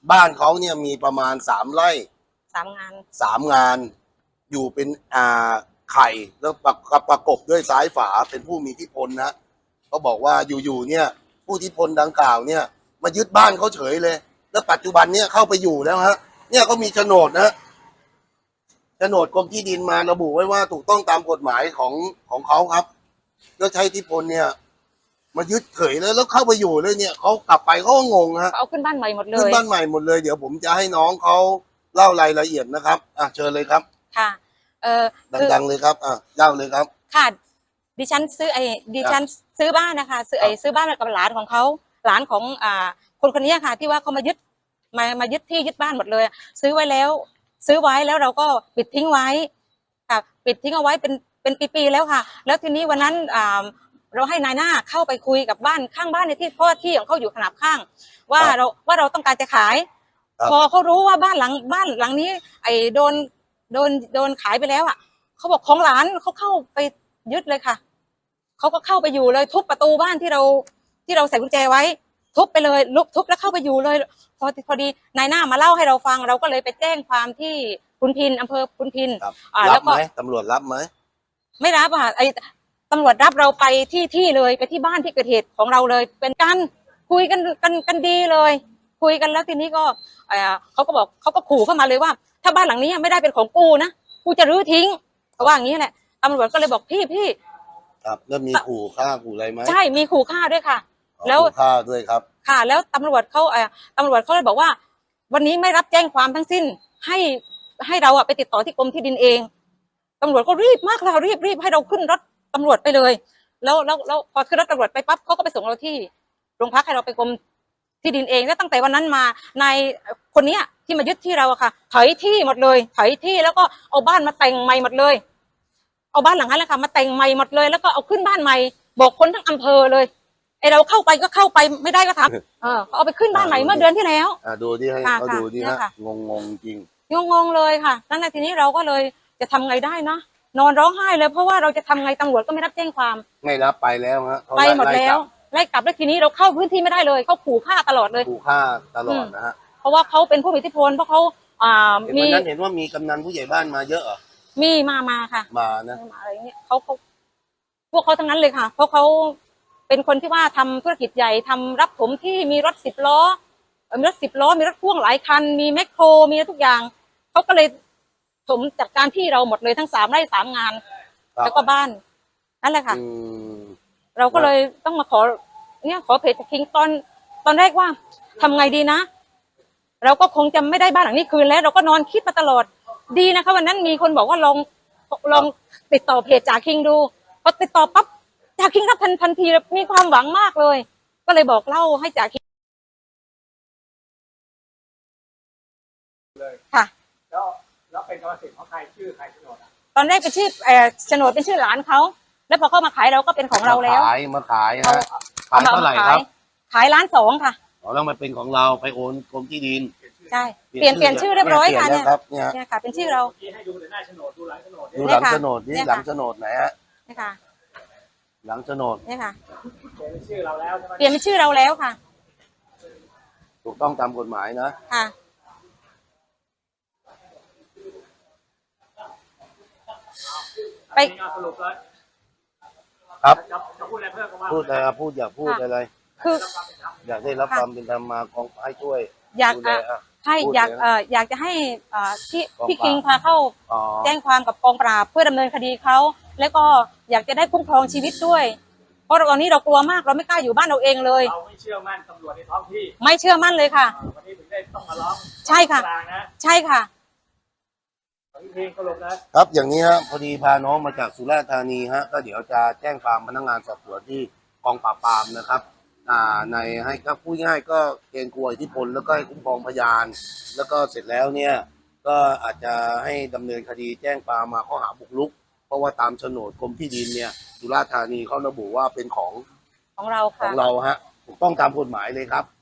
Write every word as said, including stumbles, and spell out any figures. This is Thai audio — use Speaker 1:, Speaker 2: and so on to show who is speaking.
Speaker 1: บ้านเขาเนี่ยมีประมาณสามไร่
Speaker 2: สามงาน
Speaker 1: สามงานอยู่เป็นอ่าไข่แล้วประประกบด้วยซ้ายฝาเป็นผู้มีอิทธิพลนะเขาบอกว่าอยู่ๆเนี่ยผู้อิทธิพลดังกล่าวเนี่ยมายึดบ้านเขาเฉยเลยแล้วปัจจุบันเนี่ยเข้าไปอยู่แล้วฮะเนี่ยเขามีโฉนดนะโฉนดกรมที่ดินมาระบุไว้ว่าถูกต้องตามกฎหมายของของเขาครับแล้วใช้อิทธิพลเนี่ยมายึดเฉยเลยแล้วเข้าไปอยู่เลยเนี่ยเขากลับไปเขาก็งงฮะ
Speaker 2: เอาขึ้นบ้านใหม่หมดเลย
Speaker 1: ขึ้นบ้านใหม่หมดเลยเดี๋ยวผมจะให้น้องเขาเล่ารายละเอียดนะครับอ่ะเชิญเลยครับ
Speaker 2: ค่ะเออ
Speaker 1: ดังๆเลยครับอ่ะเล่าเลยครับ
Speaker 2: ค่ะดิฉันซื้อไอ้ดิฉันซื้อบ้านนะคะซื้อไอ้ซื้อบ้านกับหลานของเขาหลานของอ่าคนคนนี้ค่ะที่ว่าเขามายึดมามายึดที่ยึดบ้านหมดเลยซื้อไว้แล้วซื้อไว้แล้วเราก็ปิดทิ้งไว้ค่ะปิดทิ้งเอาไว้เป็นเป็นปีๆแล้วค่ะแล้วทีนี้วันนั้นอ่าเราให้นายหน้าเข้าไปคุยกับบ้านข้างบ้านในที่เพราะที่ของเขาอยู่ขนาบข้างว่าเราว่าเราต้องการจะขายพอเขารู้ว่าบ้านหลังบ้านหลังนี้ไอ้โดนโดนโดนขายไปแล้วอ่ะเขาบอกของหลานเขาเข้าไปยึดเลยค่ะเขาก็เข้าไปอยู่เลยทุบประตูบ้านที่เราที่เราใส่กุญแจไว้ทุบไปเลยลุกทุบแล้วเข้าไปอยู่เลยพอพอดีนายหน้ามาเล่าให้เราฟังเราก็เลยไปแจ้งความที่พุนพินอำเภอพุนพิน
Speaker 1: อ่าแล้วก็ตำรวจรับไหม
Speaker 2: ไม่รับอ่ะไอ้ตำรวจรับเราไปที่ที่เลยไปที่บ้านที่เกิดเหตุของเราเลยเป็นการคุยกันกันกันดีเลยคุยกันแล้วทีนี้ก็เออเขาก็บอกเขาก็ขู่เข้ามาเลยว่าถ้าบ้านหลังนี้ไม่ได้เป็นของกูนะกูจะรื้อทิ้งเขาว่าอย่างนี้แหละตำรวจก็เลยบอกพี่พี่
Speaker 1: ครับแล้วมีขู่ฆ่าขู่อะไรไหม
Speaker 2: ใช่มีขู่ฆ่าด้วยค่ะ
Speaker 1: แล้วขู่ฆ่าด้วยครับ
Speaker 2: ค่ะแล้วตำรวจเขาเออตำรวจเขาเลยบอกว่าวันนี้ไม่รับแจ้งความทั้งสิ้นให้ให้เราอะไปติดต่อที่กรมที่ดินเองตำรวจก็รีบมากเรารีบรีบให้เราขึ้นรถตำรวจไปเลยแล้วแล้วแล้วพอขึ้นรถตำรวจไปปั๊บเขาก็ไปส่งเราที่โรงพักให้เราไปกรมที่ดินเองแล้วตั้งแต่วันนั้นมานายคนนี้ที่มายึดที่เราอะค่ะถอยที่หมดเลยถอยที่แล้วก็เอาบ้านมาแต่งใหม่หมดเลยเอาบ้านหลังนั้นแหละค่ะมาแต่งใหม่หมดเลยแล้วก็เอาขึ้นบ้านใหม่บอกคนทั้งอำเภอเลยไอเราเข้าไปก็เข้าไปไม่ได้ก็ทำเออเอาไปขึ้นบ้านใหม่เมื่อเดือนที่แล้ว
Speaker 1: อ่าดูที่ให้เขาดูดิฮะงงงจริง
Speaker 2: งงงเลยค่ะนั่นแหละทีนี้เราก็เลยจะทำไงได้นะนอนร้องไห้เลยเพราะว่าเราจะทำไงตำรวจก็ไม่รับแจ้งความ
Speaker 1: ไม่รับไปแล้วฮะ
Speaker 2: ไปหมดแล้วไล่กลับแล้วทีนี้เราเข้าพื้นที่ไม่ได้เลยเขาขู่ฆ่าตลอดเลย
Speaker 1: ขู่ฆ่าตลอดนะฮะ
Speaker 2: เพราะว่าเขาเป็นผู้มีอิทธิพลเพราะเขาอ่า
Speaker 1: มีนั้นเห็นว่ามีกำนันผู้ใหญ่บ้านมาเยอะเหรอ
Speaker 2: มีมามาค่ะ
Speaker 1: มานะ
Speaker 2: อะไรเงี้ยเขาเขาพวกเขาทั้งนั้นเลยค่ะเพราะเขาเป็นคนที่ว่าทำธุรกิจใหญ่ทำรับถมที่มีรถสิบล้อมีรถสิบล้อมีรถพ่วงหลายคันมีแมคโครมีทุกอย่างเขาก็เลยถมจัดการที่เราหมดเลยทั้งสามไร่สามงานแล้วก็บ้านนั่นแหละค่ะเราก็เลยต้องมาขอเนี่ยขอเพจจากคิงตอนตอนแรกว่าทำไงดีนะเราก็คงจะไม่ได้บ้านหลังนี้คืนแล้วเราก็นอนคิดมาตลอดดีนะคะวันนั้นมีคนบอกว่าลองลองติดต่อเพจจากคิงดูพอติดต่อปั๊บจากคิงรับทันทันทีมีความหวังมากเลยก็เลยบอกเล่าให้จากคิงค่ะ
Speaker 3: แล้วแล้วเป็นกรรมสิทธิ์ของใครชื่อใครโฉนด
Speaker 2: ตอนแรกเป็นชื่อเอ่อโฉนดเป็นชื่อหลานเขาแล้วพอเข้ามาขายเราก็เป็นของเราแล้ว
Speaker 1: ขายมาขายฮะขายเท่าไหร่ครับ
Speaker 2: ขายล้านสองค่ะ
Speaker 1: อ๋อแล้วมาเป็นของเราไปโอนกรมที่ดิน
Speaker 2: ใช่เปลี่ยนเปลี่ยนชื่อเรียบร้อยค่ะเนี่ยเนี่ยค่ะเป็นชื่อเรา
Speaker 3: ให้ดูหน้าโฉนดดูหลังโฉนด
Speaker 1: ดูหลังโฉนดนี่หลังโฉนดไหนฮะ
Speaker 2: นี่ค่ะ
Speaker 1: หลังโฉนด
Speaker 2: นี่ค่ะ
Speaker 3: เปลี่ยนเป็นชื่อเราแล้วใช่ไหม
Speaker 2: เปลี่ยนเป็นชื่อเราแล้วค่ะ
Speaker 1: ถูกต้องตามกฎหมายนะ
Speaker 2: ค่ะ
Speaker 3: ไปสรุปเลย
Speaker 1: ครับ
Speaker 3: พูดอะไรเพิ่ม
Speaker 1: พูดอะไรพูดอยากพูดอะไร
Speaker 2: คือ
Speaker 1: อยากได้รับความเป็นธรรมมากองให้ช่วย
Speaker 2: อยากให้อยากเอ่ออยากจะให้อ่าที่พี่คิงพาเข้าแจ้งความกับกองปราบเพื่อดำเนินคดีเขาแล้วก็อยากจะได้คุ้มครองชีวิตด้วยเพราะตอนนี้เรากลัวมากเราไม่กล้าอยู่บ้านเราเองเลย
Speaker 3: เราไม่เชื่อมั่นตำรวจในท้องที่
Speaker 2: ไม่เชื่อมั่นเลยค่ะ
Speaker 3: วันนี้ถึงได้ต้องมาร้อง
Speaker 2: ใช่ค่ะใช่ค่ะ
Speaker 1: ครับอย่างนี้ฮะพอดีพาน้องมาจากสุราษฎร์ธานีฮะก็เดี๋ยวจะแจ้งความพนักงานสอบสวนที่กองปราบปรามนะครับอ่าในให้ก็พูดง่ายก็เกรงกลัวอิทธิพลแล้วก็ให้คุ้มครองพยานแล้วก็เสร็จแล้วเนี่ยก็อาจจะให้ดำเนินคดีแจ้งความมาข้อหาบุกรุกเพราะว่าตามโฉนดกรมที่ดินเนี่ยสุราษฎร์ธานีเขาระบุว่าเป็นของ
Speaker 2: ของเรา
Speaker 1: ของเราฮะถูกต้องตามกฎหมายเลยครับ